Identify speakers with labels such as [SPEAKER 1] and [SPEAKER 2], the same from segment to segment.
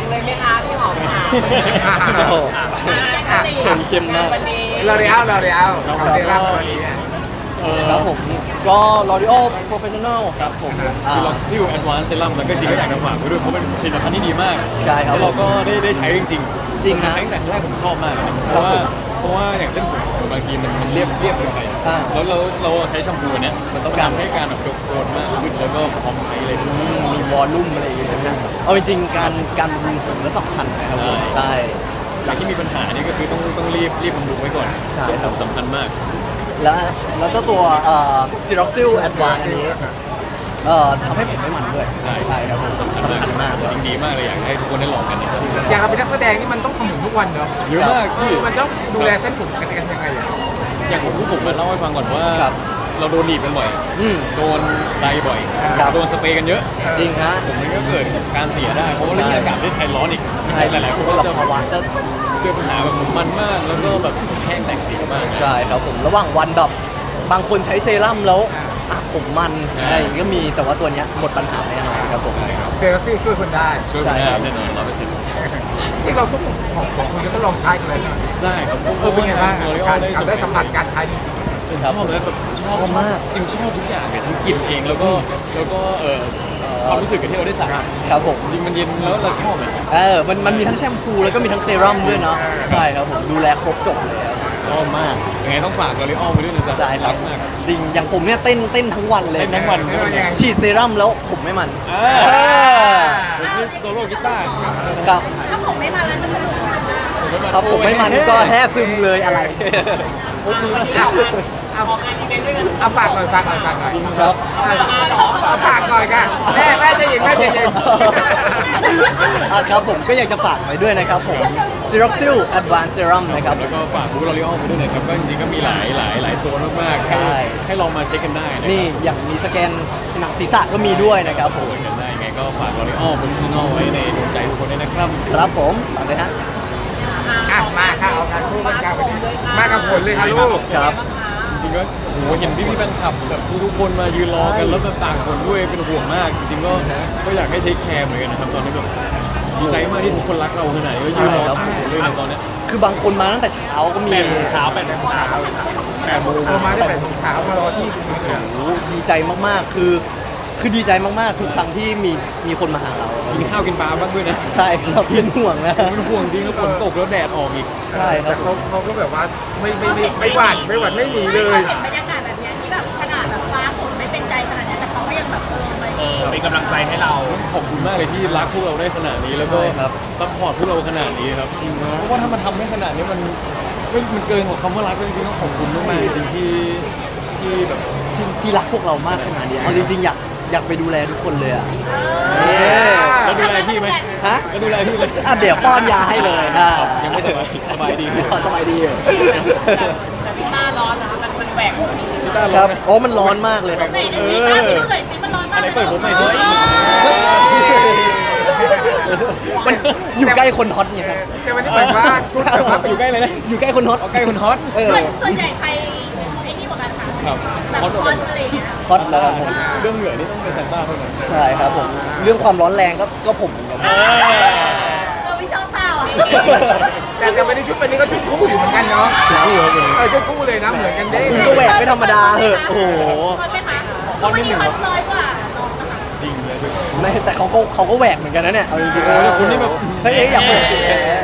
[SPEAKER 1] เลยไหมคะพี่หอมค่ะ
[SPEAKER 2] โอ้โห
[SPEAKER 1] เข้มมากวันนี้
[SPEAKER 3] เราของเซรั่มตัวนี้
[SPEAKER 2] ครับผมก็ L'Oreal Professional ครับผม
[SPEAKER 4] ซิล็อกซิลแอดวานซ์เซรั่มแล้วก็จริงก็อยากจะฝากไว้ด้วยเพราะเป็นผลิตภัณฑ์ที่ดีมาก
[SPEAKER 2] ใช่ครับ
[SPEAKER 4] แล้วเราก็ได้ใช้จริง
[SPEAKER 2] จริงนะ
[SPEAKER 4] ใช้ตั้งแต่แรกผมชอบมากเลยนะเพราะว่าอย่างเส้นผมบางทีมันเรียบเกินไป
[SPEAKER 2] อ่า
[SPEAKER 4] แล้วเราใช้แชมพูเนี้ยมันต้องทำให้การแบบโดนมากขึ้นแล้วก็พร้อมใช้เลย
[SPEAKER 2] มีวอลลุ่มอะไรอย่างเงี้ยนะเอาจริงๆการบำรุงผมก็สำคัญนะครับผมใช่
[SPEAKER 4] อย่างที่มีปัญหานี่ก็คือต้องรีบบำรุงไว้ก่อน
[SPEAKER 2] ใช่ครับ
[SPEAKER 4] สำคัญมาก
[SPEAKER 2] แล้วเจ้าตัวCeroxil Advanced อันนี้ทำให้ผมไม่มันด้วยใช่ครับผมสำคัญมากเลย
[SPEAKER 4] จริงดีมากเลยอยากให้ทุกคนได้ลองกันนะครับ
[SPEAKER 3] อย่างเราเป็นนักแสดงนี่มันต้องทำผมทุกวันเนาะ
[SPEAKER 4] เยอะมากพี่
[SPEAKER 3] มันต้องดูแลเส้นผมกันยังไงอ่ะ
[SPEAKER 4] อย่างผมเล่าให้ฟังก่อนว่า
[SPEAKER 2] ครับ
[SPEAKER 4] เราโดนหนีบกันบ่อย
[SPEAKER 2] อืม
[SPEAKER 4] โดนไดบ่อย
[SPEAKER 2] ครับ
[SPEAKER 4] โดนสเปรย์กันเยอะ
[SPEAKER 2] จริงฮะ
[SPEAKER 4] ผมมันก็เกิดการเสียได้ เพราะว่าเรื่องอากาศประเทศไทยร้อนอีก
[SPEAKER 2] ใช่
[SPEAKER 4] หลายๆคนก็
[SPEAKER 2] เรา
[SPEAKER 4] จะ
[SPEAKER 2] ภาวะจะ
[SPEAKER 4] เจอปัญหาแบบผมมันมาก แล้วก็แบบแห้งแตกเสียมาก
[SPEAKER 2] ใช่ครับผมระหว่างวันแบบบางคนใช้เซรั่มแล้วผมมันอะไรอย่างเงี้ยก็มีแต่ว่าตัวเนี้ยหมดปัญหาแน่นอนครับผม
[SPEAKER 3] เซรั่มช่วยคนได้
[SPEAKER 4] ช่วยผมได้แน่นอน100%
[SPEAKER 3] ที่เราทุกของคุณก็ต้องลองใช้กันเลยนะ
[SPEAKER 4] ได้ครับ
[SPEAKER 3] เป็นไงบ้าง
[SPEAKER 4] เรา
[SPEAKER 3] การ
[SPEAKER 4] ได้
[SPEAKER 3] สัมผัสการใช้
[SPEAKER 4] ชอบเลยแบบชอบมากจริงชอบทุกอย่างเลยทั้งกลิ่นเองแล้วก็ความรู้สึกกับที่เราได้สัมผัส
[SPEAKER 2] ครับผม
[SPEAKER 4] จริงมันเย็นแล้วเราชอบเลย
[SPEAKER 2] มันมีทั้งแชมพูแล้วก็มีทั้งเซรั่มด้วยเนาะใช่ครับผมดูแลครบจบเลยครับชอบมาก
[SPEAKER 4] ยังไงต้องฝากลอรีออลไปด้วยนะจ๊ะ
[SPEAKER 2] ใช่ครับ
[SPEAKER 4] กมาก
[SPEAKER 2] จริงอย่างผมเนี่ยเต้นทั้งวันเลย
[SPEAKER 4] เต้นทั้งวัน
[SPEAKER 2] ฉีดเซรั่มแล้วผมไม่มัน
[SPEAKER 4] ผมคือโซโล่กีตาร์
[SPEAKER 2] ครับ
[SPEAKER 1] ถ้าผมไม่มาแล้วจะสนุกมาก
[SPEAKER 2] ครับผมไม่มันก็แท้ซึมเลยอะไร
[SPEAKER 3] เอาฝากหน่อย
[SPEAKER 2] ครับ
[SPEAKER 3] เอาฝากหน่อยค่ะแม่จะยิน
[SPEAKER 2] ครับผมก็อยากจะฝากไว้ด้วยนะครับผม Ceroxil Advanced Serum นะครับ
[SPEAKER 4] แล้วก็ฝากบุ๊กลอรีออลไปด้วยนะครับก็จริงๆก็มีหลายโซนมากๆ
[SPEAKER 2] ใช่
[SPEAKER 4] ให้ลองมาเช็คกันได้นะครับ
[SPEAKER 2] นี่อย่างมีสแกนหนังศีรษะก็มีด้วยนะครับผม
[SPEAKER 4] โอนกันได้ยังไงก็ฝากลอรีออลโปรดิชั่นอลไว้ในดวงใจทุกคนด้วยนะครับ
[SPEAKER 2] ครับผมฝากเลยฮะ
[SPEAKER 3] มาค่ะเอาการคู่กันค่ะวันนี้มากับผลเลยค่ะลูก
[SPEAKER 2] ครับ
[SPEAKER 4] จริงๆก็โหเห็นพี่ๆแฟนคลับแบบทุกคนมายืนรอกันแล้วแบบต่างคนด้วยเป็นห่วงมาก จริงๆก็อยากให้เทคแคร์เหมือนกันนะครับตอนนี้แบบดีใจมากที่ทุกคนรักเราขนาดนี้ก็ยืนรอต่างคนด้วยในตอนเนี้ย
[SPEAKER 2] คือบางคนมาตั้งแต่เช้าก็มี
[SPEAKER 3] 8 โมงเช้ามาได้8 โมงเช้ามารอที่คุณเสือ
[SPEAKER 2] โอ้โหดีใจมากๆคือดีใจมากๆทุกครั้งที่มีคนมาหาเรา
[SPEAKER 4] กินข้าวกินปลาบ้างด้วยนะ
[SPEAKER 2] ใช่ครับเป็นห่วงนะ
[SPEAKER 4] ผมเป็นห่วงจริงแล้วฝนตกแล้วแดดออกอีก
[SPEAKER 2] ใช่ครั
[SPEAKER 3] แต่
[SPEAKER 2] บ
[SPEAKER 3] เขาก็แบบว่าไม่หวั่นไม่หนีเลย
[SPEAKER 1] เห็นบรรยากาศแบบเนี้ยที่แบบขนาดแบบฟ้าฝนไม่เป็นใจขนาดเนี้ยแต่เขาก็ยังแบบไป
[SPEAKER 5] เป็นกำลังใจให้เรา
[SPEAKER 4] ขอบคุณมากเลยที่รักพวกเราได้ขนาดนี้แล้วก็
[SPEAKER 2] ใช่ครับ
[SPEAKER 4] ซัพพอร์ตพวกเราขนาดนี้ครับจริงเพราะว่าถ้ามันทำได้ขนาดนี้มันเกินกว่าคำว่ารักเลยจริงๆต้องขอบคุณมากๆจริงๆที่แบบ
[SPEAKER 2] ที่รักพวกเรามากขนาดนี้เอาจริงๆอยากไปดูแลทุกคนเลยอ่ะ
[SPEAKER 4] แล้วดูแลพี่ไหม
[SPEAKER 2] ฮะ
[SPEAKER 4] แล้วดูแลพี่เลย
[SPEAKER 2] เดี๋ยวป้อนยาให้เลยนะ
[SPEAKER 4] ยังไม่สบายดีไหม
[SPEAKER 2] สบายดีอยู่
[SPEAKER 1] แต่ที่หน้าร้อนนะคะมันแหวก
[SPEAKER 4] พี่ต้า
[SPEAKER 2] ค
[SPEAKER 4] ร้อ
[SPEAKER 2] รั
[SPEAKER 4] น
[SPEAKER 2] บ
[SPEAKER 4] นะ
[SPEAKER 2] โอ้มันร้อนมากเลยครับ
[SPEAKER 1] ไหนในนี้บ้านที่เลยสิมันร้อนมาก
[SPEAKER 4] อะไรเปิดผมหน่อยสิ
[SPEAKER 2] มันอยู่ใกล้คนฮอตเนี่ยครับ
[SPEAKER 3] แต่วันนี้เหมือนว่าพูดแต่ว่า
[SPEAKER 4] อยู่ใกล้เลยนะ
[SPEAKER 2] อยู่ใกล้คนฮอต
[SPEAKER 4] เอาใกล้คนฮอต
[SPEAKER 1] ส่วนใหญ่ใครไอ้นี่กว่ากันคะ
[SPEAKER 4] ครับ
[SPEAKER 1] แบบ
[SPEAKER 4] ฮอต
[SPEAKER 1] คอนอะไรอย่างเงี้ย
[SPEAKER 2] ฮอตแล้วครับผม
[SPEAKER 4] เรื่องเหงื่อนี่ต้องเป็นซานต้าเท่านั้น
[SPEAKER 2] ใช่ครับผม เรื่องความร้อนแรงก็ผมเหมือนกัน
[SPEAKER 1] ไม่ชอบเศร้าอ่ะ
[SPEAKER 3] แต่วันนี้ชุดวันนี้ก็ชุดคู่อยู่เหมือนกันเนาะ
[SPEAKER 2] คู่ครับผม
[SPEAKER 3] ชุดคู่เลยนะเหมือนกันเด้
[SPEAKER 2] คุณก็แหวกไม่ธรรมดาเหอะโอ้โห
[SPEAKER 1] คอนไหมคะวันนี้คอนน้อยกว่าน้องนะคะ
[SPEAKER 4] จริงเลย
[SPEAKER 2] ไม่แต่เขาก็แหวกเหมือนกันนะเนี่ยเอาจริงๆ
[SPEAKER 4] โอ้ยคุณนี่แบบ
[SPEAKER 2] เฮ้ยอยากแหวกจริง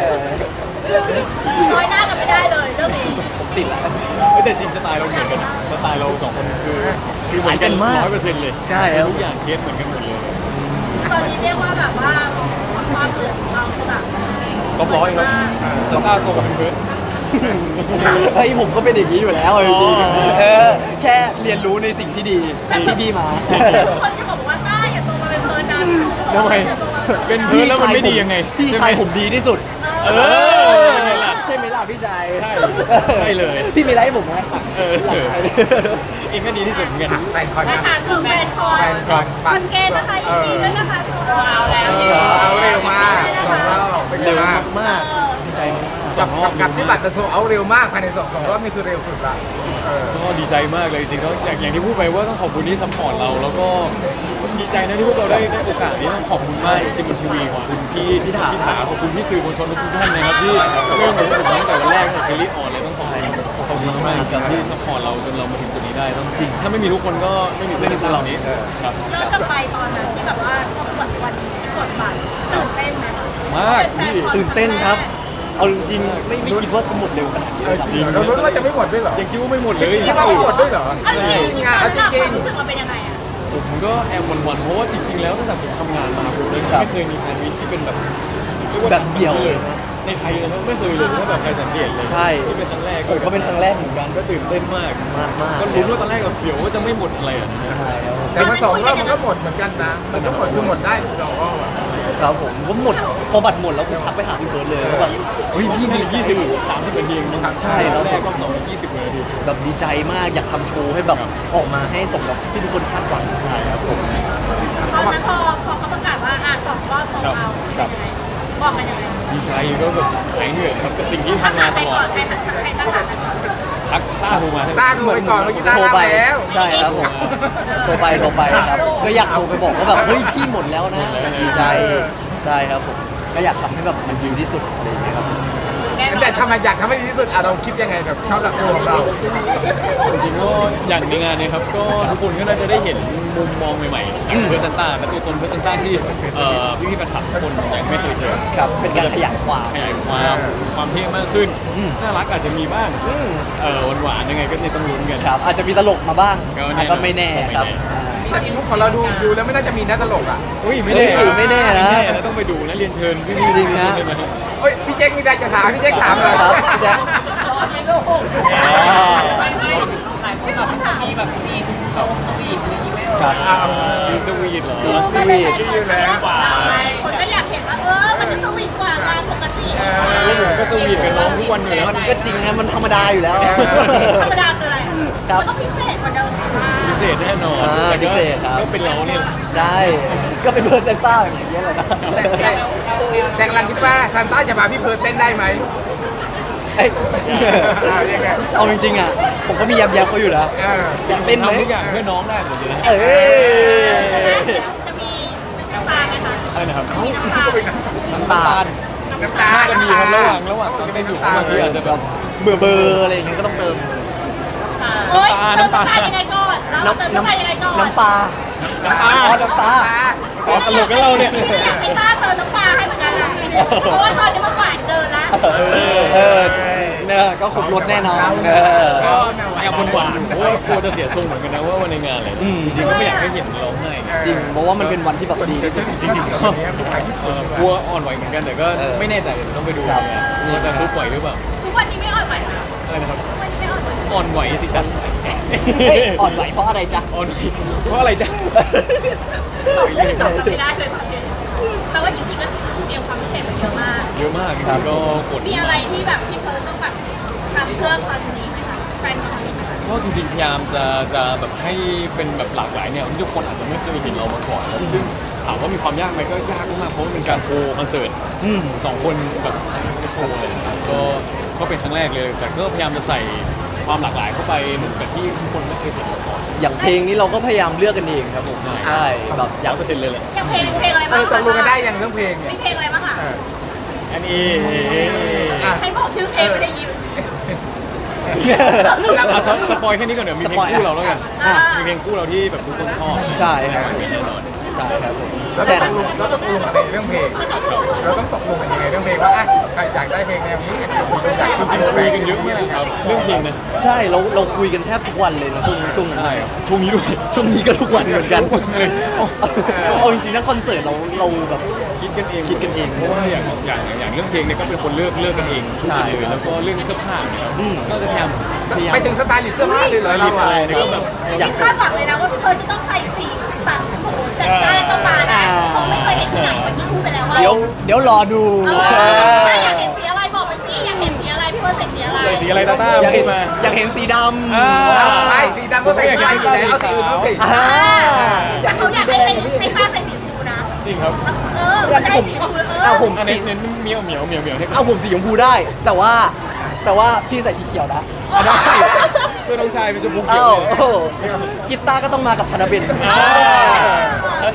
[SPEAKER 1] น้อยหน้ากันไม่ได้เลยเรื่องนี้
[SPEAKER 2] ผมติดแล้ว
[SPEAKER 4] แต่จริงสไตล์เราเหมือนกันนะสไตล์เราสองคนคือเหมือนกัน
[SPEAKER 2] มาก
[SPEAKER 4] 100%เลย
[SPEAKER 2] ใช่ครับ
[SPEAKER 4] ทุกอย่างเคสเหมือนกันหมดเลย
[SPEAKER 1] ตอนนี้เรียกว่าแบบว่าความเหมือนเราแบบ
[SPEAKER 4] ท็อปร้อยครับซานต้าโตกับเพื่อน
[SPEAKER 2] เฮ้ยผมก็เป็นอย่างนี้อยู่แล้วเอาจริงๆแค่เรียนรู้ในสิ่งที่ดีที่ดีมา
[SPEAKER 1] ทุกคนจะบอกว่าต้าอย่าโตมาเป็นเพลินนะ
[SPEAKER 4] ทำไมเป็นเพื่อนแล้วมันไม่ดียังไง
[SPEAKER 2] พี่
[SPEAKER 4] ใช่ไห
[SPEAKER 2] ชายผมดีที่สุด
[SPEAKER 4] เออใช่ไหมล่ะ
[SPEAKER 2] ใช่ไหมล่ะพี่ชาย
[SPEAKER 4] ใช่ใช่เลย
[SPEAKER 2] พี่มีอะไรให้ผมไหม
[SPEAKER 4] เออเองก็ดีที่สุดเหมือนกัน
[SPEAKER 3] แฟนคอน
[SPEAKER 1] นะ
[SPEAKER 3] นะคะ
[SPEAKER 1] คือแฟนคอน
[SPEAKER 3] แฟนคอน
[SPEAKER 1] คอนเกณฑ์นะคะยินดีด้วยนะคะว้าวแล้ว
[SPEAKER 3] เอาเร็วมาก2 รอบเป็นไง
[SPEAKER 2] เร็ว
[SPEAKER 3] บ้าง
[SPEAKER 2] มากดีใจมาก
[SPEAKER 3] กับที่บัตรจะโซเอาเร็วมากภายใน2 รอบนี่คือเร็วสุดละ
[SPEAKER 4] ก็ดีใจมากเลยจริงๆก็อย่างที่พูดไปว่าต้องขอบคุณที่ซัพพอร์ตเราแล้วก็ดีใจนะที่พวกเราได้โอกาสนี้ต้องขอบคุณมากจริงๆทีวีขอบคุณพี่ถาขอบคุณพี่สื่อมวลชนทุกท่านนะครับที่เริ่มกับพวกผมตั้งแต่วันแรกในซีรีส์ออนเลยต้องขอบคุณมากจริงที่ซัพพอร์ตเราจนเรามาถึงจุดนี้ได้ต้องจริงถ้าไม่มีทุกคนก็ไม่มีพวกเรานี้ครับ
[SPEAKER 1] ย้อนกลับไปตอนนั้นที่แบบว่าต้องกดวันกดบัตรตื่นเต้นไหม
[SPEAKER 4] มากพี่
[SPEAKER 2] ตื่นเต้นครับ เอาจริงๆไม่คิดว่าจะหมดเร็วขนาดนี้ครับ
[SPEAKER 3] จริงเรารู้ว่าจะไม่หมดด้วยเหรอ
[SPEAKER 4] ยังคิดว่าไม่หมดเลย
[SPEAKER 3] คิดว่าไม่หมดด้วยเหรอ
[SPEAKER 1] เอาจริงๆ
[SPEAKER 3] งาน
[SPEAKER 1] ตอน
[SPEAKER 3] จ
[SPEAKER 1] นั้น
[SPEAKER 3] ริง
[SPEAKER 1] ความรู้สึกเราเป็นยังไงอะ
[SPEAKER 4] ผมก็แอบหวั่นๆเพราะว่าจริงๆแล้วตั้งแต่ผมทำงานมาผมเลยไม่เคยมีแฟนมิตที่เป็นแบบเรียกว่า
[SPEAKER 2] แบบเดี่ยว
[SPEAKER 4] เลยในไทยเลยนะไม่เคยเลยถ้าแบบใครสังเกตเลย
[SPEAKER 2] ใช่
[SPEAKER 4] ที่เป็นครั้งแรก
[SPEAKER 2] ผมก็เป็นครั้งแรกเหมือนกัน
[SPEAKER 4] ก็ตื่นเต้นมาก
[SPEAKER 2] มากๆ
[SPEAKER 4] ก็ลุ้นว่าตอนแรกกับเสียวว่าจะไม่หมดอะไรอ่ะนะ
[SPEAKER 2] ใช่ครับ
[SPEAKER 3] แต่มาสองรอบมันก็หมดเหมือนกันนะ มันก็หมดคือหมดได้สองรอบอะ
[SPEAKER 2] ครับผมก็หมดพอบัตรหมดแล้วผมทักไปหาพี่เบิร์ดเลยว่าแบบเฮ้ยพี่มี
[SPEAKER 4] 30 นาทีเองนะ
[SPEAKER 2] ใช่แล้ว
[SPEAKER 4] แรกก็20 นาที
[SPEAKER 2] แบบดีใจมากอยากทำโชว์ให้แบบออกมาให้สมกับที่ทุกคนคาดหวังใช่ครับผม
[SPEAKER 1] ตอนนั้นพอเขาประกาศว่าสองรอบสองเอาบอกกันยังไง
[SPEAKER 4] ดีใจก็แบบหายเหนื่อยครับกับสิ่งที่ทำมาตลอด
[SPEAKER 1] ใครทักหาไปก่อน
[SPEAKER 4] ทักต้าโทรมา
[SPEAKER 3] ต้าดูไปก่อนเมื่อกี้ต้า
[SPEAKER 2] โทร
[SPEAKER 3] รับ
[SPEAKER 2] ไป
[SPEAKER 3] แล้ว
[SPEAKER 2] ใช่ครับผมโทรไปครับก็อยากโทรไปบอกว่าแบบเฮ้ยพี่หมดแล้วนะดีใจใช่ครับผมก็อยากทำให้แบบมันดีที่สุดอะไรอย่างเงี้ยครับ
[SPEAKER 3] แต่ทำไมอยากทำให้ดีที่สุดอ่ะเราคิดยังไงแบบชอบหลักตัวของเรา
[SPEAKER 4] จริงๆก็อย่างในงานเนี้ครับก็ทุกคนก็น่าจะได้เห็นมุมมองใหม่ๆจากเพอร์เซนต้าและตัวตนเพอร์เซนต้าที่พี่ๆแฟนคลับทุกคนยังไม่เคยเจอ
[SPEAKER 2] ครับเป็นการขยายความ
[SPEAKER 4] ขยายความเท่มากขึ้น น่ารักอาจจะมีบ้างหวานๆยังไงก็ต้องลุ้นกัน
[SPEAKER 2] ครับอาจจะมีตลกมาบ้าง
[SPEAKER 4] ก็แน่
[SPEAKER 2] ก็ไม่แน่ครับ
[SPEAKER 3] แต่ของเราดูแล้วไม่น่าจะมีน่าตลกอ่ะ
[SPEAKER 4] อุ้ยไม่แน่
[SPEAKER 2] ไม่แน่นะ
[SPEAKER 4] แล้วต้องไปดูนะเรียนเชิญพี่
[SPEAKER 2] จริงนะ
[SPEAKER 3] เฮ้ยพี่แจ็คมีอะไรจะถามพี่แจ็คถามเลย
[SPEAKER 2] ครับพี่แจ๊ค
[SPEAKER 1] หลายคนแบบมีแบบมีโซสวีทอะไรอย่างงี้ไหม
[SPEAKER 2] ครับ
[SPEAKER 4] ซีสวีทเหรอ
[SPEAKER 2] สวีท
[SPEAKER 1] คนก็อยากเห็นว่ามันจะสวีทกว่างานปกติ
[SPEAKER 4] แล้วผมก็สวีทกับน้องทุกวันอยู่แล้ว
[SPEAKER 2] มันก็จริงนะมันธรรมดาอยู่แล้ว
[SPEAKER 1] ธรรมดาคืออะไร
[SPEAKER 2] ครับ
[SPEAKER 1] มันต้องพิเศษกว่าเดิม
[SPEAKER 4] พิเศษแน่นอน
[SPEAKER 2] อ่าพิเศษครับ
[SPEAKER 4] ก็เป็นเราเนี่ย
[SPEAKER 2] ได้ก็เป็นเพอร์เซนต้าอย่างเงี้ยแหละนะ
[SPEAKER 3] แต่กำลังคิดว่าซานต้าจะพาพี่เพิร์ดเต้นได้ไหม
[SPEAKER 2] เอ้ย
[SPEAKER 3] ยังไง
[SPEAKER 2] เอาจริงๆอ่ะผมก็มียำเขาอยู่นะ อยากเต้นไหม
[SPEAKER 4] ทำทุกอย่างเพื่อน้องได้หมดเลยนะ
[SPEAKER 2] เอ้ย
[SPEAKER 1] จะมีน้ำตาไหมคะ
[SPEAKER 4] อะไรนะครับ
[SPEAKER 1] มีน้ำตา
[SPEAKER 2] น้ำตาล
[SPEAKER 3] น้ำตา
[SPEAKER 4] จะมีครับระหว่างตอนเต้นอยู่บางทีอาจจะแบบ
[SPEAKER 2] เบื่อเบอร์อะไรอย่างเงี้ยก็ต้องเติม
[SPEAKER 1] เฮ้ยเติมน้ำตายังไงก่อนเราเติมน้ำตายังไงก่อน
[SPEAKER 2] น้ำปลา
[SPEAKER 4] น้ำตา
[SPEAKER 2] อ๋อน้ำตา
[SPEAKER 4] อ๋อตลกกันเราเนี่ย
[SPEAKER 1] อยากให้ต้าเติมน้ำตาให้เหมือนกันแหละเพราะว่าตอนนี้มันหวานเกินละ
[SPEAKER 2] เนี่ยก็ครบรถแน่นอน
[SPEAKER 4] ก็แอบหวานๆเพราะว่ากลัวจะเสียทรงเหมือนกันนะว่าวันในงานอะไรจริงๆก็ไม่อยากให้เห็นร้องไห้ไง
[SPEAKER 2] จริงเพราะว่ามันเป็นวันที่แบบดีที่สุด
[SPEAKER 4] จริงๆก็กลัวอ่อนไหวเหมือนกันแต่ก็ไม่แน่ใจเดี๋ยวต้องไปดูว่าจะรู้ไหวหรือเปล่า
[SPEAKER 1] ทุกวันนี้ไม่อ่อนไหวนะ
[SPEAKER 4] อะไรนะครับ
[SPEAKER 1] ทุกวันนี้ไม่อ่อนไหว
[SPEAKER 4] อ่อนไหวสิครับ
[SPEAKER 2] เฮ้ยอ่อนไหวเพราะอะไรจ๊ะ
[SPEAKER 4] อ่อนไหวเพราะอะไรจ๊ะ
[SPEAKER 1] ตอบไม่ได้เลยแต่ว่าจริงๆก็เตรียมความพิเศษมาเยอะมาก
[SPEAKER 4] เยอะมากจริงๆก็กด
[SPEAKER 1] มีอะไรที่แบบที่เพิร์ลต้องแบบทำเพื่อครั้งนี้ไหมคะแฟนคอนนี้ไหมคะ
[SPEAKER 4] ก็จริงๆพยายามจะแบบให้เป็นแบบหลากหลายเนี่ยทุกคนอาจจะไม่เคยเห็นเรามาก่อนซึ่งถามว่ามีความยากไหมก็ยากมากเพราะมันเป็นการโคคอนเสิร์ต สองคนแบบโชว์เลยนะครับก็เป็นครั้งแรกเลย แต่ก็พยายามจะใส่ความหลากหลายเข้าไปเหมือนกับที่ทุกคนไม่เคยเห็นมาก่อน
[SPEAKER 2] อย่างเพลงนี้เราก็พยายามเลือกกันเองครับผม
[SPEAKER 4] ใช่
[SPEAKER 2] ใช่แบบอ
[SPEAKER 4] ยั
[SPEAKER 2] ยาก
[SPEAKER 4] 100%เลยแหละ
[SPEAKER 1] อย่างเพลงอะไรบ้าง
[SPEAKER 3] ตกลงกันได้อย่างเรื่องเพลงเนี่ย
[SPEAKER 1] มีเพลงอะไรบ้างคะ
[SPEAKER 4] อันนี้
[SPEAKER 1] ให้บอกชื่อเพลงไม่ได้ยิน
[SPEAKER 4] สปอยแค่นี้ก่อนเดี๋ยวมีเพลงคู่เราแล้วกัน
[SPEAKER 1] อ่า
[SPEAKER 4] มีเพลงคู่เราที่แบบทุกคนชอบ
[SPEAKER 2] ใช่ครับ
[SPEAKER 4] แน่นอน
[SPEAKER 2] ใช่ครับผม
[SPEAKER 3] เราต้องตกลงอะไรเรื่องเพลง เราต้องตกลงกันยังไงเรื่องเพลงว่าอ่ะใครอยากได้เพลงแนวนี้อยาก
[SPEAKER 4] จริงๆคุยกันเยอะมากครับเรื่องเพลงนะ
[SPEAKER 2] ใช่เราคุยกันแทบทุกวันเลยนะช่วงนั้น
[SPEAKER 4] ใช่ครับช่วงนี้ด้วย
[SPEAKER 2] ช่วงนี้ก็ทุกวันเหมือนกัน
[SPEAKER 4] ทุกวันเลย
[SPEAKER 2] เอาจริงๆนะคอนเสิร์ตเราแบบ
[SPEAKER 4] คิดกันเอง
[SPEAKER 2] คิดกันเอง
[SPEAKER 4] เพราะว่าอย่างเรื่องเพลงเนี่ยก็เป็นคนเลือกกันเอง
[SPEAKER 2] ใช่
[SPEAKER 4] เลยแล้วก็เรื่องเสื้อผ้าเนี่ย
[SPEAKER 2] อืม
[SPEAKER 4] ก็จะพยายาม
[SPEAKER 3] ไปถึงสไตล์ลิสต์เสื้อผ้าเลยเหรอเราอ่ะ
[SPEAKER 4] เนี่ยก็แบบ
[SPEAKER 2] อยาก
[SPEAKER 1] คาดหวังเลยนะว่าเธอจะต้องใส่สีแบบโอ้โหจัดจ้านต้องมานะเพราะไม่เคยเห็นที่ไหนเมื่อกี้พูดไปแล้วว่า
[SPEAKER 2] เดี๋ยวรอดู
[SPEAKER 1] อยากเห็นสีอะไรบอกไปสิอยากเห็นสีอะไรเพื่อใส่สีอะไร
[SPEAKER 4] ใส่สีอะไรต้า
[SPEAKER 2] อยาก
[SPEAKER 4] พู
[SPEAKER 2] เห็
[SPEAKER 4] ด
[SPEAKER 2] น
[SPEAKER 4] มา
[SPEAKER 2] อยากเห็นสีดำ
[SPEAKER 3] ไม่สีดำก็ใส่ได้อยู่แล้วเอาสีอื่นมาสิ
[SPEAKER 1] แต่เขาอยากให้ให้ป้าใส่สีชมพูนะ
[SPEAKER 4] จริงครับ
[SPEAKER 1] เขาจะให้สีชมพู
[SPEAKER 2] ผม
[SPEAKER 4] อันนี้เน้นเหมียวให้
[SPEAKER 2] เอาผมสีชมพูได้ แต่ว่าพี่ใส่สีเขียวนะ
[SPEAKER 4] ได้เพื่อนน้องชายเป็นชมพูเขีย
[SPEAKER 2] เอ้าว
[SPEAKER 4] เลย
[SPEAKER 2] คิดต้าก็ต้องมากับธนเบน
[SPEAKER 4] ถ้า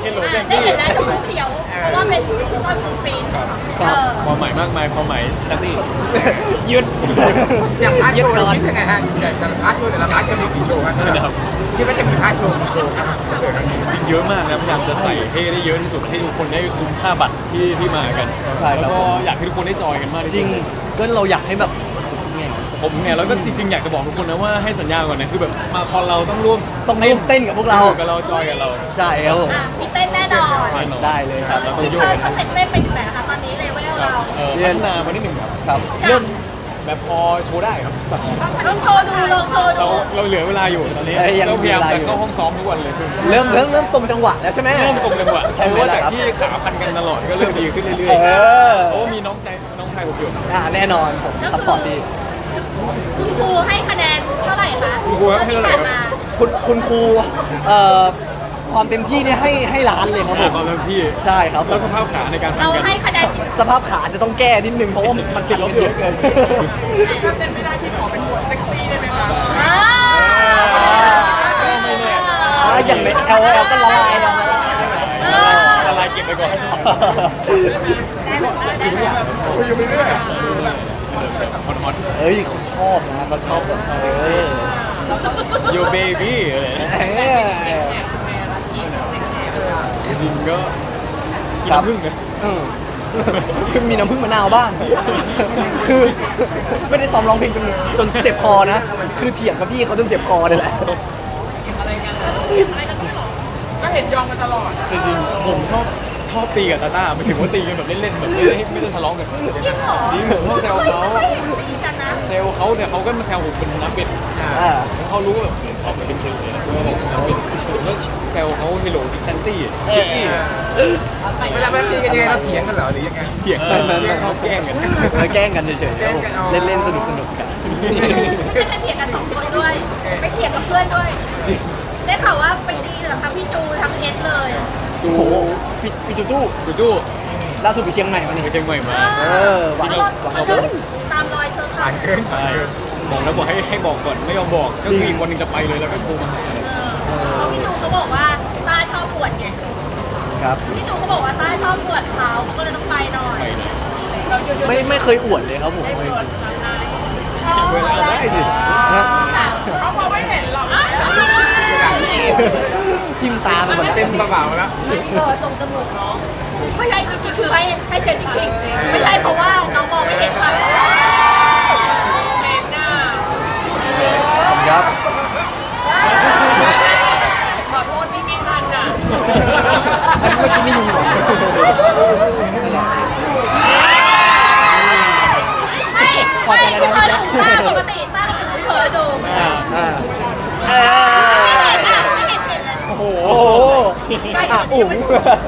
[SPEAKER 1] ชมพูเขียวเพราะว่าเป็นคือต้นฟูฟิน
[SPEAKER 4] ความหมายมากมายความหมายแซนดี้ยืด
[SPEAKER 3] อย่างพาร์ทโชว์เราคิดยังไงฮะอย่างแต่ละพาร์ทโชว์แต่ละพาร์ทจะมีกี่โชว์ครับ
[SPEAKER 4] นะครับ
[SPEAKER 3] คิดว่าจะมีพาร์ทโชว์กี่โชว์ครับ
[SPEAKER 4] จริงเยอะมากนะพยายามจะใส่ให้ได้เยอะที่สุดให้ทุกคนได้คุ้มค่าบัตรที่มากัน
[SPEAKER 2] ใช่ครับ
[SPEAKER 4] แล้วก็อยากให้ทุกคนได้จอยกันมากที่
[SPEAKER 2] จ
[SPEAKER 4] สุ
[SPEAKER 2] ริ
[SPEAKER 4] ด
[SPEAKER 2] งก็เราอยากให้แบบไง
[SPEAKER 4] ผมเนี่ยแล้วก็จริงๆอยากจะบอกทุกคนนะว่าให้สัญญาก่อนนะคือแบบมาคอนเราต้องร่วม
[SPEAKER 2] ต้องร่วมเต้นกับพวกเรา
[SPEAKER 4] สนุกับเราจอยกับเรา
[SPEAKER 2] ใช่ครับผม
[SPEAKER 1] มีเต้นแน่นอน
[SPEAKER 2] ได้เลยครับ
[SPEAKER 4] เราต้องโย
[SPEAKER 1] เชิ
[SPEAKER 4] ก
[SPEAKER 1] ญสเต็ปเต้นไปถึงไหนนะคะตอนนี้เลเวลเรา
[SPEAKER 4] พัฒนามานิดหนึ่งครับ
[SPEAKER 2] ครับเริ่ม
[SPEAKER 4] แบบพอโชว์ได้ครับแบบ
[SPEAKER 1] ลองโชว์ดูลองโชว์ดู
[SPEAKER 4] เราเหลือเวลาอยู่ตอนนี้
[SPEAKER 2] ยัง
[SPEAKER 4] เราพยายาม
[SPEAKER 2] มีเวลาอยู่
[SPEAKER 4] จะเข้าห้องซ้อมทุกวันเลย
[SPEAKER 2] เริ่มตรงจังหวะแล้วใช่ไหม
[SPEAKER 4] เริ่มตรงจังหวะ
[SPEAKER 2] ใช่ไหม
[SPEAKER 4] เพราะว่า
[SPEAKER 2] ล่ะ
[SPEAKER 4] จาก
[SPEAKER 2] ครับ
[SPEAKER 4] ที่ขาพันกันตลอดก็เริ่มดีขึ้นเรื่อย
[SPEAKER 2] เออ
[SPEAKER 4] ๆเพราะว่ามีน้องชายผมอยู่
[SPEAKER 2] แน่นอนผมซัพพอร์ตดี
[SPEAKER 1] คุณครูให้คะแนนเท่าไหร่คะ
[SPEAKER 4] คุณครูให้เท่าไหร่ครับ
[SPEAKER 1] ที่ผ่นมา
[SPEAKER 2] คุณครูความเต็มที่เนี่ยให้ล้านเลยครับผม
[SPEAKER 4] ความเต็มที่
[SPEAKER 2] ใช่ครับ
[SPEAKER 4] แล้วสภาพขาในการพัน
[SPEAKER 1] เรา
[SPEAKER 4] กัน
[SPEAKER 1] ให้คะแนน
[SPEAKER 2] สภาพขาจะต้องแก้นิดนึงเพราะว่ามันติดลบเยอะเกิน
[SPEAKER 1] ก็เป็นไม่ได้ที่ขอเป็นบทเซ็กซี่ได้ไหมคะ
[SPEAKER 2] อย่างใน LOL ก็ละลายแล้ว
[SPEAKER 4] ละลายเก็บไปก่อน
[SPEAKER 3] คุยอยู่เรื่อย
[SPEAKER 4] ฮอน
[SPEAKER 2] เอ้ยเขาชอบนะเขาชอบแบบ
[SPEAKER 4] ๆ Yo baby อะไรนะจริงก็กินน้ำผึ้งนะ
[SPEAKER 2] คือมีน้ำผึ้งมะนาวบ้าง คือไม่ได้ซ้อมร้องเพลงจนเจ็บคอนะ คือเถียงกับพี่เขาจนเจ็บคอเลยแหละ
[SPEAKER 1] ก็เห็นยองมาตลอด
[SPEAKER 4] จริงๆผมชอบตีกับตาต้าหมายถึงว่าตีกันแบบเล่นๆแบบไม่ได้ทะเลาะกัน
[SPEAKER 1] จริงเหรอ
[SPEAKER 4] จริงผมชอบแซวเขา
[SPEAKER 1] ไม่เห็นตีกันนะ
[SPEAKER 4] แซวเขาแต่เขาก็มาแซวผมเป็นน้ำเป็ด
[SPEAKER 2] อ่า
[SPEAKER 4] เขารู้ว่าแบบออกมาเป็นเพลงเลยนะว่าแบบน้ำเป็ดผมก็แซวเขาเฮโลดิซันตี้
[SPEAKER 3] เวลาตีกันยังไงเราเถียงกันเหรอหรือยังไง
[SPEAKER 4] เถียงเขาแกล้งกัน
[SPEAKER 2] แกล้งกันเฉยๆครับผมเล่นๆสนุกๆกัน
[SPEAKER 1] ไม่จะเถียงกันสองคนด้วยไปเถียงกับเพื่อนด้วยได้ข่าวว่าไปตีกับทั้งพี่จูทั้งเอสเลย
[SPEAKER 4] จู
[SPEAKER 2] โอ้โหพี่จูจู
[SPEAKER 4] จู
[SPEAKER 2] ล่าสุดไปเชียงใหม่มา
[SPEAKER 4] ไป
[SPEAKER 2] นี่
[SPEAKER 4] เชียงใหม่มา
[SPEAKER 2] หวัง
[SPEAKER 1] มันก็ตามรอยเธอค่ะ
[SPEAKER 3] ผ่านเกิน
[SPEAKER 4] ใช่บอกแล้วบอกให้บอกก่อนไม่ยอมบอกก็คืออีกวันหนึงจะไปเลยแล้วก็โทรมาหา
[SPEAKER 1] เพราะพี่จูเขาบอกว่าต้าชอบปวดไง
[SPEAKER 2] ครับ
[SPEAKER 1] พี่จูเขาบอกว่าต้าชอบปวดเขาก็เลยต้องไปหน่อย
[SPEAKER 4] ไปเลย
[SPEAKER 2] ไม่เคยอวดเลยครับผม
[SPEAKER 4] เวลาได้สิ
[SPEAKER 1] เขามองไม่เห็นหรอก
[SPEAKER 2] ทิมตาไปหมดแล้ว
[SPEAKER 3] เต็มกระเป๋าแล้ว
[SPEAKER 1] ตรงจมูกน้องไม่ใช่จริงๆคือให้เจนจริงๆไม่ใช่เพราะว่าน้องมองไม่เห็นค่ะเมนหน้า
[SPEAKER 2] ครับ
[SPEAKER 1] ขอโทษที่ไม่ทันอ่ะ
[SPEAKER 2] อันเมื่อกี้ไม่ยุงหรอ
[SPEAKER 1] ไม่ปกติต้าเราถึงเผลอดู
[SPEAKER 2] อ่า
[SPEAKER 1] ไม่เห็นเลย
[SPEAKER 4] โอ้โห
[SPEAKER 2] โอ้โหอุ๋ง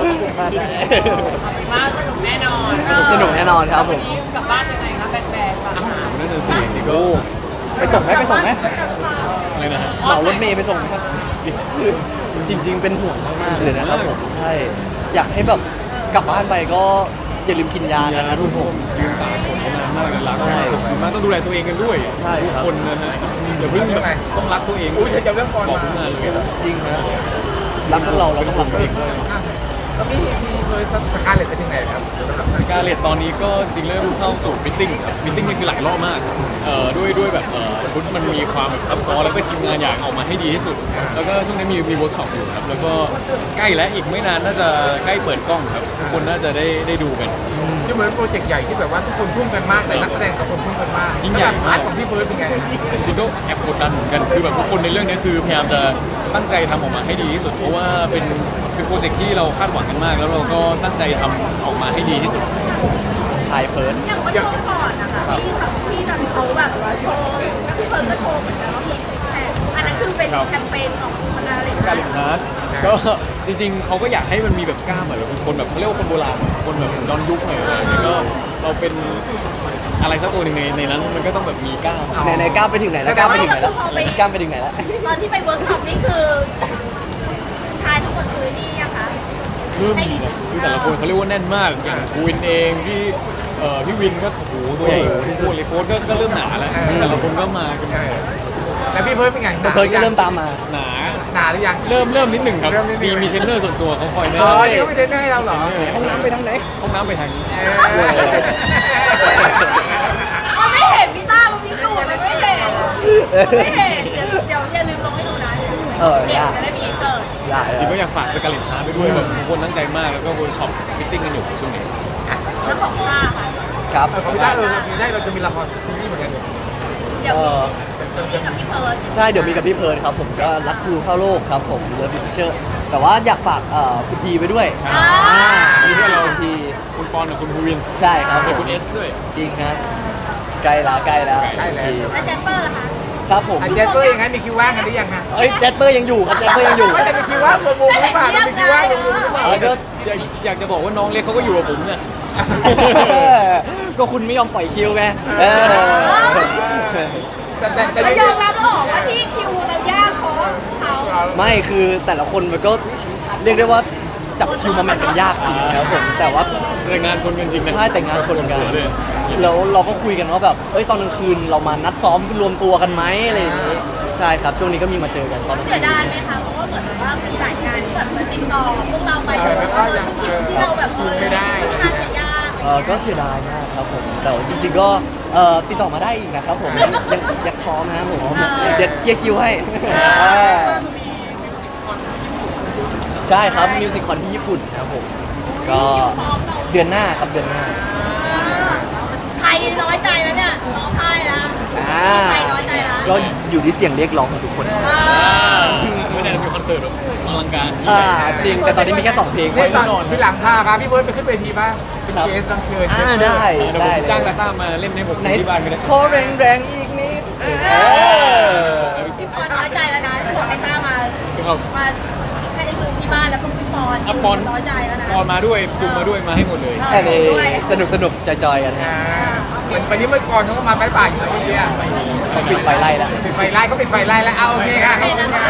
[SPEAKER 1] มาสนุกแน่นอน
[SPEAKER 2] สนุกแน่นอนครับผม
[SPEAKER 1] กลับบ้านยังไงคะแบนๆป่ะ
[SPEAKER 4] นั่นน่ะสินี่ก็
[SPEAKER 2] ไปส่งไหมไปส่งไหม
[SPEAKER 4] อะไรนะฮะ
[SPEAKER 2] เหมารถเมย์ไปส่งไหมจริง ๆ เป็นห่วงมากๆเลยนะครับผมใช่อยากให้แบบกลับบ้านไปก็อย่าลืมกินยากันนะทุกคน
[SPEAKER 4] ยืนตากฝนมานานมากเลยรักมากขอบคุณมากต้องดูแลตัวเองกันด้วย
[SPEAKER 2] ใช่
[SPEAKER 4] ทุก
[SPEAKER 2] ครับ
[SPEAKER 4] คนนะฮะอย่าเพิ่งแบบต้องรักตัวเอง
[SPEAKER 3] อุ้ยจะเริ่มก่อน
[SPEAKER 4] บอก
[SPEAKER 3] มา
[SPEAKER 4] ทุกงานเลย
[SPEAKER 2] จริงนะรักพวกเราต้องรักตัวเองด้วย
[SPEAKER 3] แล้วพี่เคยสกาเลตไปถึงไหนครับ
[SPEAKER 4] สกาเลตตอนนี้ก็จริงเริ่มเข้าสู่ฟิตติ้งครับฟิตติ้งนี่คือหลายรอบมากด้วยแบบชุดมันมีความแบบซับซ้อนแล้วก็ทีมงานอยากออกมาให้ดีที่สุด แล้วก็ช่วงนี้มีเวิร์กช็อปอยู่ครับแล้วก็ใกล้แล้วอีกไม่นานน่าจะใกล้เปิดกล้องครับทุกคนน่าจะได้ดูกัน
[SPEAKER 3] ที่เหมือนโปรเจกต์ใหญ่ที่แบบว่าทุกคนทุ่มกันมากแต่นักแสดงทุกคนทุ่มกันมาก
[SPEAKER 4] ยิ่งใหญ่
[SPEAKER 3] แล้วแบบพาร์ทของพี่เบิร์ดเป็นไง
[SPEAKER 4] จริงๆก็แอบกดดันเหมือนกันคือแบบทุกคนในเรื่องนี้คือพยายามจะตั้งใจทำออกมาให้ดีที่สุด เพราะว่าเป็นโปรเจกต์ที่เราคาดหวังกันมาก แล้วเราก็ตั้งใจทำออกมาให้ดีที่สุด
[SPEAKER 2] ชายเพิร์ด
[SPEAKER 1] อย่างเมื่อช่วงก่อนนะคะที่ทำเขาแบบโชว์แล้วพี่เฟิร์นก็โชว์เหมือนกันว่ามีซิกแพคอันนั้นคือเป็นแคมเปญของคณะอะไร
[SPEAKER 4] การเล่นฮาร์ดก็จริงๆเขาก็อยากให้มันมีแบบกล้ามแบบคนแบบเขาเรียกว่าคนโบราณคนแบบย้อนยุคหน่อยอะไรอย่างเงี้ยก็เราเป็นอะไรสักตัวหนึ่งในนั้นมันก็ต้องแบบมีกล้าม
[SPEAKER 2] ไหนก้าวไปถึงไหนแล้วก้าวไปถึงไหนแล้วก้าวไปถึงไหนแล้ว
[SPEAKER 1] ตอนที่ไปเวิร์กช็อปนี่คือชายทั้งหมดคือนี่ยังคะ
[SPEAKER 4] คือแต่ละคนเขาเรียกว่าแน่นมากอย่างกูวินเองพี่วินก็โอ้โหตัวใหญ่พี่โฟร์เลยโฟร์ก็เริ่มหนาแล้วแต่ละคนก็มากัน
[SPEAKER 3] แล้วพี่เบิร์ดเป็นไง
[SPEAKER 2] เพิร์ดก็เริ่มตามมา
[SPEAKER 4] หนา
[SPEAKER 3] นานหรือยัง
[SPEAKER 4] เริ่มนิดหนึ่งครับ
[SPEAKER 3] เริ่มนิดหนึ่ง
[SPEAKER 4] มีเทรนเนอร์ส่วนตัวเขาคอยแนะ
[SPEAKER 3] อ๋อน
[SPEAKER 4] ำ
[SPEAKER 3] นี่เขาไปเทรนเนอร์ให้เราเหรอ
[SPEAKER 2] ห้องน้ำไปทางไหน
[SPEAKER 4] ห้องน้ำไปทางนี้
[SPEAKER 1] มันไม่เห็นพี่ต้ามันมีสูตรมันไม่เห็นไม่เห็นเดี๋ยวอย่าลืมลงให้ดูนะเด็กจะได้มีอินเสิร์ต
[SPEAKER 2] ได้
[SPEAKER 4] จริงก็อยากฝากสกาเลตฮาร์ทไปด้วยแบบทุกคนตั้งใจมากแล้วก็เวิร์กช็อปฟิตติ้งกันอยู่ช่วงนี้
[SPEAKER 1] แล้วของต้าค่ะ
[SPEAKER 2] ครับ
[SPEAKER 3] คอมพิวเตอร์เราจะได้เราจะมีละครซีรีส์เหมือนกันเนี่ย
[SPEAKER 1] เดี๋ยวมีกับพี่เพิร์ด
[SPEAKER 2] ใช่เดี๋ยวมีกับพี่เพิร์ดครับผมก็รักครูเข้าโลกครับผมเลิฟพิเชอร์แต่ว่าอยากฝากคุณทีไปด้วย
[SPEAKER 4] ใช่
[SPEAKER 2] มีเพื่อนเราที
[SPEAKER 4] คุณปอนกับคุณภูวิน
[SPEAKER 2] ใช่ครับผ
[SPEAKER 4] เดี๋ยว
[SPEAKER 2] ม
[SPEAKER 4] คุณเอสด้วย
[SPEAKER 2] จริงครับใกล้แล้ว
[SPEAKER 3] ใกล้แล้ว
[SPEAKER 1] แล้วแจมเปอร์ล่ะคะ
[SPEAKER 2] ครับผม
[SPEAKER 3] อาจารย์ตัวเองงั้นมีคิวว่างกันหรือยังฮะ
[SPEAKER 2] เอ้ยแจสเปอร์ยังอยู่ครับแจสเปอร์ยังอยู่
[SPEAKER 3] ไม่แต่มีคิวว่างมุมหรือเปล่ามีคิวว่างมุมหรือเปล่า
[SPEAKER 2] แล้วก็
[SPEAKER 4] อยากจะบอกว่าน้องเล็กเขาก็อยู่กับผมเนี่ย
[SPEAKER 2] ก็คุณไม่ยอมปล่อยคิวไงเออ
[SPEAKER 3] แต่
[SPEAKER 1] ก็ยอมรับแล้วเหรอว่าที่คิวเรายากเพราะเขา
[SPEAKER 2] ไม่คือแต่ละคนมันก็เรียกได้ว่าจับคิวมาแมทกันยากจริงครับผมแต่ว่า
[SPEAKER 4] แต่งานชนกันจริงนะ
[SPEAKER 2] ใช่แต่งงานชนกัน
[SPEAKER 4] เลย
[SPEAKER 2] แล้วเราก็คุยกันว่าแบบเอ้ยตอนกลางคืนเรามานัดซ้อมรวมตัวกันไหมอะไรอย่างงี้ใช่ครับช่วงนี้ก็มีมาเจอกันตอนกลาง
[SPEAKER 1] เสี
[SPEAKER 2] คื
[SPEAKER 1] ย
[SPEAKER 2] น
[SPEAKER 1] ดายไหมคะเพราะว่าเหมือนว่าเป็นหลายงานที่แบบมาติดต่อพวกเราไปแต่ว่าคิวที่เราแบบค่อนข้างจะยาก
[SPEAKER 2] ก็เสียดายมากครับผมแต่ว่าจริงๆก็ติดต่อมาได้อีกนะครับผมยังพร้อมนะครับผมเดี๋ยวเคลียร์คิวให้ใช่ครับมิวสิคคอนที่ญี่ปุ่นครับผมก็เดือนหน้าครับเดือนหน้า
[SPEAKER 1] ใครน้อยใจแล้วเนี่ยร้องไห้แล้ว ใครน้อยใจแล้ว
[SPEAKER 2] ก็อยู่ที่เสียงเรียกร้องของทุกคน
[SPEAKER 4] ไม่ได้มีคอนเสิร์ตแบบอลังการ
[SPEAKER 2] จริงแต่ตอนนี้มีแค่2เพลง
[SPEAKER 3] เนี่ยตอนที่หลังพาพี่เบิร์ดไปขึ้นเวทีบ้างเป็นเกสรับเชิญ
[SPEAKER 2] ได้
[SPEAKER 4] เดี๋ยวผมจ้างตาต้ามาเล่นให้ผม
[SPEAKER 2] ไหน
[SPEAKER 4] ที่บ้านก็ได้
[SPEAKER 2] ขอแรงๆอีกนิด
[SPEAKER 1] พี่ปอนน้อยใจแล้วนะที่บอกให้ต้ามา
[SPEAKER 4] ครับ
[SPEAKER 1] มาให้ดูที่บ้านแล้วคุณพี่ปอน
[SPEAKER 4] อ่ะปอน
[SPEAKER 1] น้อยใจแล้วนะ
[SPEAKER 4] ปอนมาด้วยจุงมาด้วยมาให้หมดเลย
[SPEAKER 2] อันนี้สนุกจอยๆกันฮะ
[SPEAKER 3] เหมือนวันนี้เมื่อก่อนเขาก็มาบ่ายๆอยู่นะเมื่อกี้
[SPEAKER 2] เขาปิดไฟไล่แล้ว
[SPEAKER 3] ปิดไฟไล่ก็ปิดไฟไล่แล้วเอาโอเคค่ะขอบคุณค่ะ